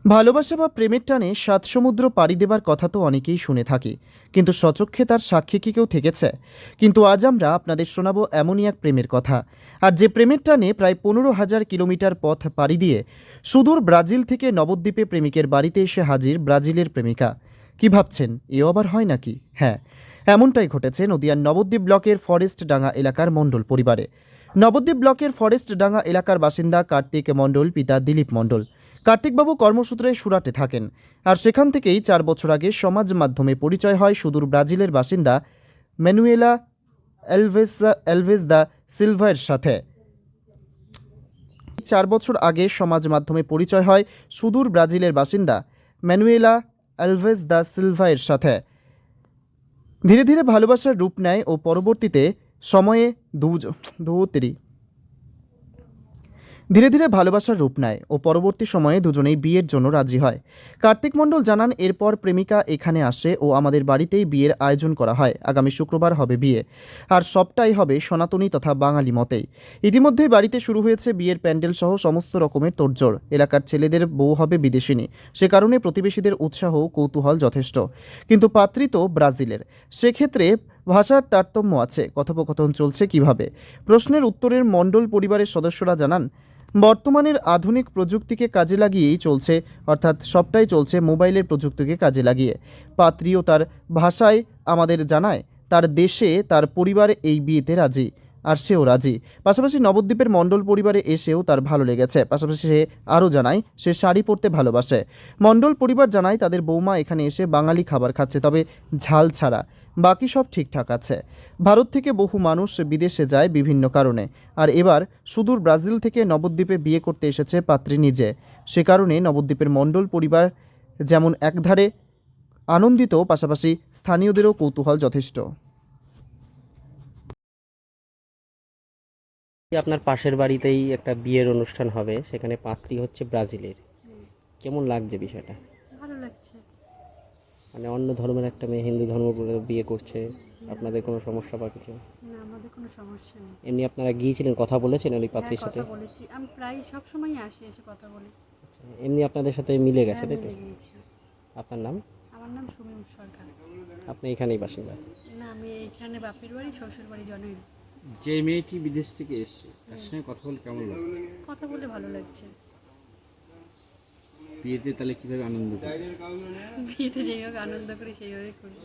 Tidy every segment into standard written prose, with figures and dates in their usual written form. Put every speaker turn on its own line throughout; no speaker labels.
ভালোবাসা বা প্রেমের টানে সাত সমুদ্র পাড়ি দেবার কথা তো অনেকেই শুনে থাকি, কিন্তু সচক্ষে তার সাক্ষী কি কেউ থেকেছে? কিন্তু আজ আমরা আপনাদের শোনাবো এমনই এক প্রেমের কথা। আর যে প্রেমের টানে প্রায় 15,000 কিলোমিটার পথ পাড়ি দিয়ে সুদূর ব্রাজিল থেকে নবদ্বীপে প্রেমিকের বাড়িতে এসে হাজির ব্রাজিলের প্রেমিকা। কি ভাবছেন, এও আবার হয় নাকি? হ্যাঁ, এমনটাই ঘটেছে নদিয়ার নবদ্বীপ ব্লকের ফরেস্ট ডাঙ্গা এলাকার মণ্ডল পরিবারে। নবদ্বীপ ব্লকের ফরেস্ট ডাঙ্গা এলাকার বাসিন্দা কার্তিক মণ্ডল, পিতা দিলীপ মণ্ডল। কার্তিকবাবু কর্মসূত্রে সুরাটে থাকেন, আর সেখান থেকেই 4 বছর আগে সমাজ মাধ্যমে পরিচয় হয় সুদূর ব্রাজিলের বাসিন্দা ম্যানুয়েলা এলভেজ দা সিলভার সাথে। 4 বছর আগে সমাজ মাধ্যমে পরিচয় হয় সুদূর ব্রাজিলের বাসিন্দা ম্যানুয়েলা এলভেজ দা সিলভার সাথে। ধীরে ধীরে ভালোবাসার রূপ নেয় ও পরবর্তীতে সময়ে দুজনেই বিয়ের জন্য রাজি হয়। কার্তিক মণ্ডল জানান, এরপর প্রেমিকা এখানে আসে ও আমাদের বাড়িতেই বিয়ের আয়োজন করা হয়। আগামী শুক্রবার হবে বিয়ে, আর সবটাই হবে সনাতনী তথা বাঙালি মতেই। ইতিমধ্যেই বাড়িতে শুরু হয়েছে বিয়ের প্যান্ডেল সহ সমস্ত রকমের তোড়জোড়। এলাকার ছেলেদের বউ হবে বিদেশিনী, সে কারণে প্রতিবেশীদের উৎসাহ কৌতূহল যথেষ্ট। কিন্তু পাত্রী তো ব্রাজিলের, সেক্ষেত্রে ভাষার তারতম্য আছে। কথোপকথন চলছে কিভাবে? প্রশ্নের উত্তরের মণ্ডল পরিবারের সদস্যরা জানান, বর্তমানের আধুনিক প্রযুক্তিকে কাজে লাগিয়েই চলছে, অর্থাৎ সবটাই চলছে মোবাইলের প্রযুক্তিকে কাজে লাগিয়ে। পাত্রীও তার ভাষায় আমাদের জানায় তার দেশে তার পরিবার এই বিয়েতে রাজি, আর সেও রাজি। পাশাপাশি নবদ্বীপের মণ্ডল পরিবারে এসেও তার ভালো লেগেছে। পাশাপাশি সে আরও জানায় সে শাড়ি পরতে ভালোবাসে। মণ্ডল পরিবার জানায় তাদের বৌমা এখানে এসে বাঙালি খাবার খাচ্ছে, তবে ঝাল ছাড়া। বাকি সব ঠিকঠাক আছে। ভারত থেকে বহু মানুষ বিদেশে যায় বিভিন্ন কারণে, আর এবার সুদূর ব্রাজিল থেকে নবদ্বীপে বিয়ে করতে এসেছে পাত্রী নিজে। সে কারণে নবদ্বীপের মণ্ডল পরিবার যেমন একধারে আনন্দিত, পাশাপাশি স্থানীয়দেরও কৌতূহল যথেষ্ট।
আপনার পাশের বাড়িতেই একটা বিয়ের অনুষ্ঠান হবে, সেখানে পাত্রী হচ্ছে ব্রাজিলের। কেমন লাগছে বিষয়টা?
ভালো লাগছে।
মানে অন্য ধর্মের একটা মেয়ে হিন্দু ধর্ম করে বিয়ে করছে, আপনাদের কোনো সমস্যা বা কিছু?
না, আমাদের কোনো সমস্যা নেই।
এমনি আপনারা গিয়েছিলেন, কথা বলেছেন ওই
হ্যাঁ,
পাত্রীর সাথে?
কথা বলেছি। আমি প্রায় সব সময়ই আসি, এসে কথা বলি।
আচ্ছা, এমনি আপনাদের সাথে মিলে গেছে,
হ্যাঁ,
তাই তো?
মিলে গিয়েছি।
আপনার নাম?
আমার নাম সুমিম সরকার।
আপনি এখানেই বাসিন্দা?
না, আমি এখানে বাপের বাড়ি, শ্বশুর বাড়ি জনই।
যে মেয়েটি বিদেশ থেকে এসেছে তার সঙ্গে কথা বলে কেমন লাগলো?
কথা বলে ভালো লাগছে।
বিয়েতে তাহলে কিভাবে আনন্দ করে?
বিয়েতে যেভাবে আনন্দ করি সেইভাবেই করি।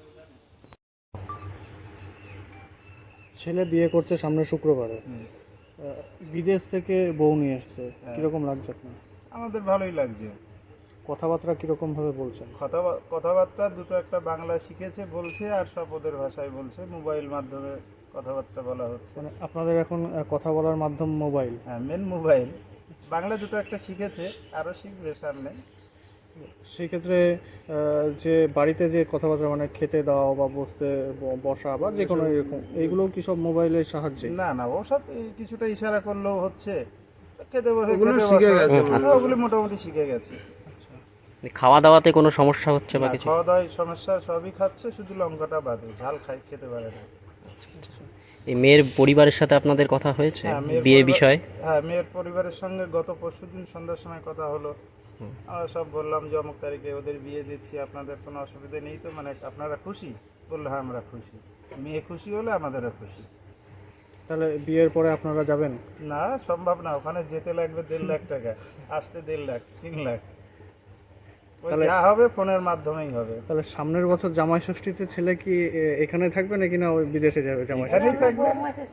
ছেলে বিয়ে করছে সামনে শুক্রবারে। বিদেশ থেকে বউ নিয়ে এসছে, কিরকম লাগছে আপনার?
আমাদের ভালোই লাগছে।
কথাবার্তা কিরকম ভাবে বলছেন?
কথাবার্তা দুটো একটা বাংলা শিখেছে বলছে, আর সব ওদের ভাষায় বলছে। মোবাইল মাধ্যমে কথাবার্তা বলা হচ্ছে।
মানে আপনাদের এখন কথা বলার মাধ্যম মোবাইল?
হ্যাঁ, মেন মোবাইল। বাংলা দুটো একটা শিখেছে, আরও শিখবে সামনে।
সেই ক্ষেত্রে যে বাড়িতে যে কথাবার্তা মানে খেতে দাও বা বসা বা যে কোনো এরকম, এইগুলো কি সব মোবাইলের সাহায্যে?
না না, ওসব কিছুটা ইশারা করলেও হচ্ছে। খেতে বসে
ওগুলো
খেতে
শিখে
বসা।
গেছে
হ্যাঁ, ওগুলো মোটামুটি শিখে গেছে।
খাওয়া দাওয়াতে কোনো সমস্যা হচ্ছে বা
না,
কিছু?
খাওয়া দাওয়ায় সমস্যা সবই খাচ্ছে, শুধু লঙ্কাটা বাদে। ঝাল খেতে পারে না।
এই মেয়ের পরিবারের সাথে আপনাদের কথা হয়েছে
হ্যাঁ,
বিয়ে বিষয়ে?
হ্যাঁ, মেয়ের পরিবারের সঙ্গে গত পরশুদিন সন্ধ্যার সময় কথা হলো। আমরা সব বললাম যে অমুক তারিখে ওদের বিয়ে দিচ্ছি, আপনাদের কোনো অসুবিধা নেই তো? মানে আপনারা খুশি? বললো হ্যাঁ, আমরা খুশি। মেয়ে খুশি হলে আমাদেরও খুশি।
তাহলে বিয়ের পরে আপনারা যাবেন?
না, সম্ভব না। ওখানে যেতে লাগবে 1.5 লাখ টাকা, আসতে 1.5 লাখ, 3 লাখ। ওই যা হবে ফোনের মাধ্যমেই হবে।
তাহলে সামনের বছর জামাই ষষ্ঠীতে ছেলে কি এখানে থাকবে নাকি না ওই বিদেশে যাবে জামাই ষষ্ঠী?
এখানেই থাকবে।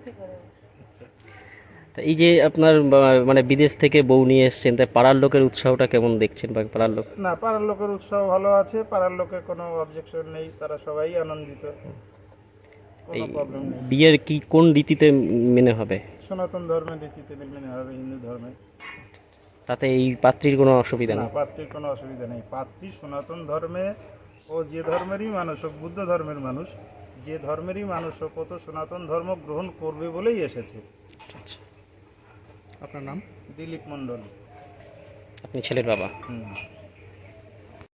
তা এই যে আপনার মানে বিদেশ থেকে বউ নিয়ে এসেছেন, তাই পাড়ার লোকের উৎসাহটা কেমন দেখছেন? বা পাড়ার লোক?
না, পাড়ার লোকের উৎসাহ ভালো আছে। পাড়ার লোকের কোনো অবজেকশন নেই, তারা সবাই আনন্দিত, কোনো
এই
প্রবলেম নেই।
বিয়ের কি কোন রীতিতে মেনে হবে?
সনাতন ধর্মের রীতিতে মেনে হবে, হিন্দু ধর্মে।
তাতে এই পাত্রীর কোনো অসুবিধা
না,
নেই?
পাত্রীর কোনো অসুবিধা নেই। পাত্রী সনাতন ধর্মে, ও যে ধর্মেরই মানুষ হোক, বুদ্ধ ধর্মের মানুষ, যে ধর্মেরই মানুষ হোক, ও তো সনাতন ধর্ম গ্রহণ করবে বলেই এসেছে।
আচ্ছা,
আপনার নাম?
দিলীপ মণ্ডল।
আপনি ছেলের বাবা?
হুম।